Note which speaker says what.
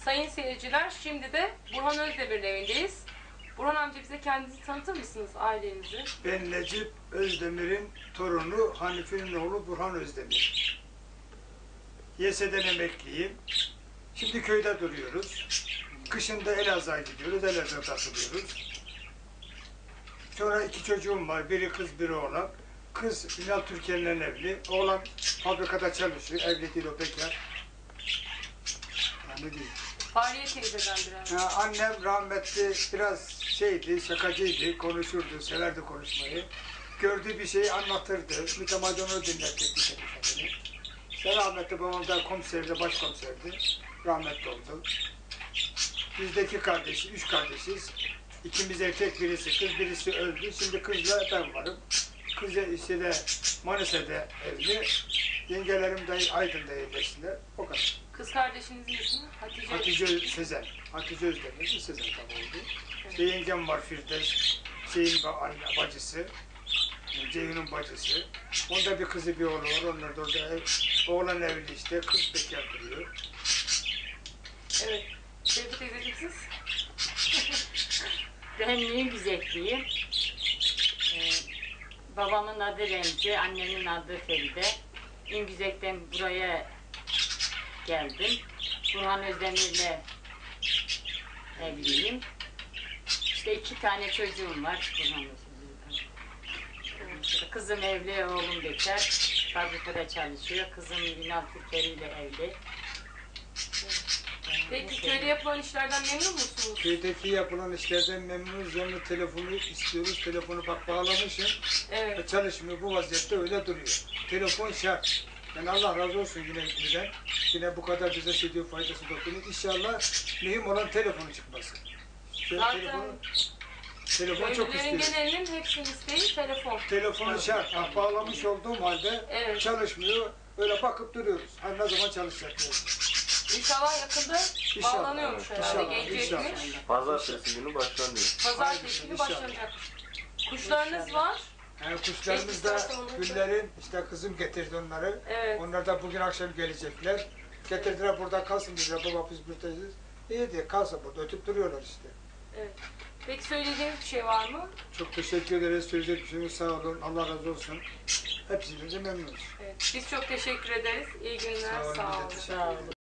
Speaker 1: Sayın seyirciler, şimdi de Burhan Özdemir'in evindeyiz. Burhan amca, bize kendinizi tanıtır mısınız, ailenizi?
Speaker 2: Ben Necip Özdemir'in torunu, Hanifi'nin oğlu Burhan Özdemir. YS'den emekliyim. Şimdi köyde duruyoruz. Kışında Elazığ'a gidiyoruz, Elazığ'da takılıyoruz. Sonra 2 çocuğum var, biri kız, biri oğlan. Kız Ünal Türkiye'nin evli, oğlan fabrikada çalışıyor, evli değil, o bekar. Yani değil.
Speaker 1: Fahriye teyzeden biraz.
Speaker 2: Annem rahmetli biraz şeydi, şakacıydı, konuşurdu, severdi konuşmayı. Gördüğü bir şeyi anlatırdı, mütemadi onu dinletirdi kendini. İşte rahmetli babam da komiserdi, başkomiserdi, rahmetli oldu. Biz de 2 kardeşiz, 3 kardeşiz. İkimiz erkek, birisi kız, birisi öldü. Şimdi kızla ben varım. Kız işte de Manisa'da evli. Yengelerim de Aydın'da yerleştiler. O kadar.
Speaker 1: Kız kardeşinizin ismi Hatice.
Speaker 2: Hatice Sezen. Hatice Özdemir, Sezen tabi oldu. Evet. İşte yengem var Firdevs, şeyin bacısı, Ceyhun'un bacısı. Onda bir kızı bir oğlu var, onlar da orada oğlan evli işte, kız bekar duruyor.
Speaker 1: Evet. Sevgi teyzeciğim, siz?
Speaker 3: Ben Güzekliyim. Babamın adı Remzi, annemin adı Feride. İngüzek'ten buraya geldim. Burhan Özdemir'le evliyim. İşte 2 tane çocuğum var. Kızım evli, oğlum bekar. Fabrikada çalışıyor. Kızım Ünal Türkiye ile evli.
Speaker 1: Peki köyde yapılan işlerden memnun musunuz?
Speaker 2: Köydeki yapılan işlerden memnunuz. Yanına telefonu istiyoruz. Telefonu bak bağlamışım.
Speaker 1: Evet.
Speaker 2: Çalışmıyor. Bu vaziyette öyle duruyor. Telefon şart. Yani Allah razı olsun yine bizden. Yine bu kadar bize şey diyor, faydası dokunuyor. İnşallah mühim olan telefonu çıkması.
Speaker 1: Zaten
Speaker 2: telefon çok
Speaker 1: köylülerin
Speaker 2: istiyor.
Speaker 1: genelinin hepsinin isteği telefon.
Speaker 2: Telefonu şart. Bağlamış olduğum halde
Speaker 1: Evet.
Speaker 2: çalışmıyor. Öyle bakıp duruyoruz. Hani ne zaman çalışacak diyoruz.
Speaker 1: İnşallah yakında
Speaker 2: İnşallah.
Speaker 1: bağlanıyormuş herhalde.
Speaker 2: İnşallah.
Speaker 1: Gelecekmiş.
Speaker 4: Pazartesi günü başlanıyor.
Speaker 1: Pazartesi günü
Speaker 2: İnşallah.
Speaker 1: başlanacak. Kuşlarınız var.
Speaker 2: Yani kuşlarımız da güllerin, işte kızım getirdi onları.
Speaker 1: Evet.
Speaker 2: Onlar da bugün akşam gelecekler. Getirdiler, burada kalsın dediler. Baba biz buradayız. İyi diye kalsın burada. Ötüp duruyorlar işte.
Speaker 1: Evet. Peki söyleyeceğiniz bir şey var mı?
Speaker 2: Çok teşekkür ederiz. Söyleyecek bir şeyimiz, sağ olun. Allah razı olsun. Hepsiyle de memnunuz.
Speaker 1: Evet. Biz çok teşekkür ederiz. İyi günler. Sağ olun.
Speaker 2: Teşekkür
Speaker 3: Sağ
Speaker 2: ederiz.
Speaker 3: olun.